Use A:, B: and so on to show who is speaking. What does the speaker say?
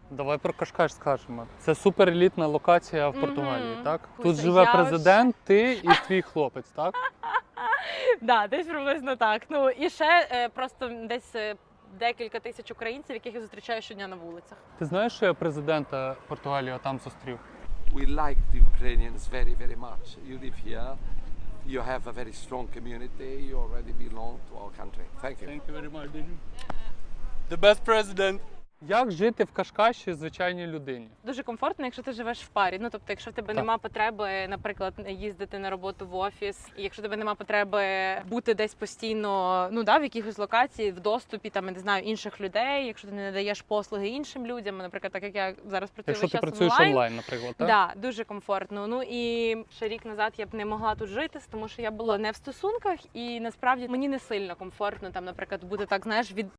A: Давай про Кашкаш скажемо. Це суперелітна локація в Португалії, так? Тут
B: Куся,
A: живе
B: я
A: президент, ти і твій хлопець, так?
B: Да, десь приблизно так. Ну і ще просто десь декілька тисяч українців, яких я зустрічаю щодня на вулицях.
A: Ти знаєш, що я президента Португалії там зустрів?
C: We like the Ukrainians very, very much. You live here, you have a very strong community, you already belong to our country. Thank you.
A: Thank you very much, The best president. Як жити в Кашкаші звичайній людині?
B: Дуже комфортно, якщо ти живеш в парі. Ну тобто, якщо в тебе
A: Так.
B: нема потреби, наприклад, їздити на роботу в офіс, і якщо в тебе нема потреби бути десь постійно, ну да, в якихось локації, в доступі там, я не знаю, інших людей, якщо ти не надаєш послуги іншим людям, наприклад, так як я зараз працюю
A: Якщо
B: весь
A: ти
B: час
A: працюєш онлайн, наприклад, так?
B: Да, дуже комфортно. Ну і ще рік назад я б не могла тут жити, тому що я була не в стосунках, і насправді мені не сильно комфортно там, наприклад, бути так, знаєш,